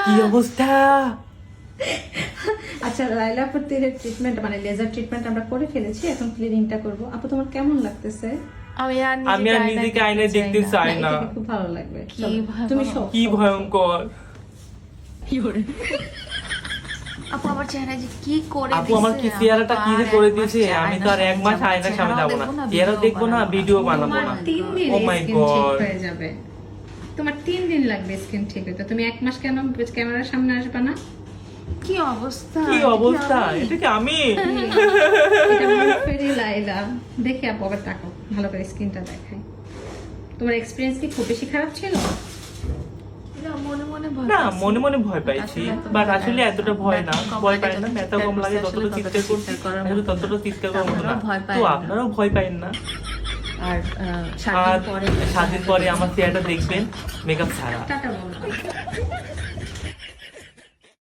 কি অবস্থা? আচ্ছা লাইলা আপুর তীরের ট্রিটমেন্ট মানে লেজার ট্রিটমেন্ট আমরা করে ফেলেছি, এখন ক্লিনিংটা করব। আপু তোমার কেমন লাগতেছে? আমি আর নিজেকে আয়নায় দেখতে চাই না। এটাকে খুব ভালো লাগবে। কি চলো, ভয়াবহ। তুমি শো কি ভয়ঙ্কর। আপু আমার চেহারা যে কি করে আপু আমার কি চেহারাটা কি যে করে দিয়েছে, আমি তো আর এক মাস আয়নার সামনে যাবো না, চেহারা দেখবো না, ভিডিও বানাবো তোমার না। 3 দিন Oh my স্কিন ঠিক God. হয়ে যাবে। তোমার 3 দিন লাগবে স্কিন ঠিক হতে। তুমি এক মাস কেন ক্যামেরার সামনে আসবে না? কি অবস্থা, কি অবস্থা, এটা কি আমি? এটা ফেরি লাইলা। দেখে আপু আবার তাকাও, ভালো করে স্কিনটা দেখাই। তোমার এক্সপেরিয়েন্স কি খুব বেশি খারাপ ছিল? না, মনে মনে ভয় না, পাইছি। মনে মনে ভয় পাইছি, আসলে এত বাট ভয় আসলে লাগে এতটা না। ভয় না, ব্যথা কম ভয় লাগে, পাই না, যতটা ব্যথা কম লাগে, চিৎকার ততটা চিৎকার করছি, করার আসলে মতো। ততটা চিৎকার করার মতো না। আপনারাও ভয় পায় তো না। আপনারাও ভয় পাইন না। আর আর 7 দিন পরে আমার চেহারাটা দেখবেন মেকআপ ছাড়া। টাটা বলো।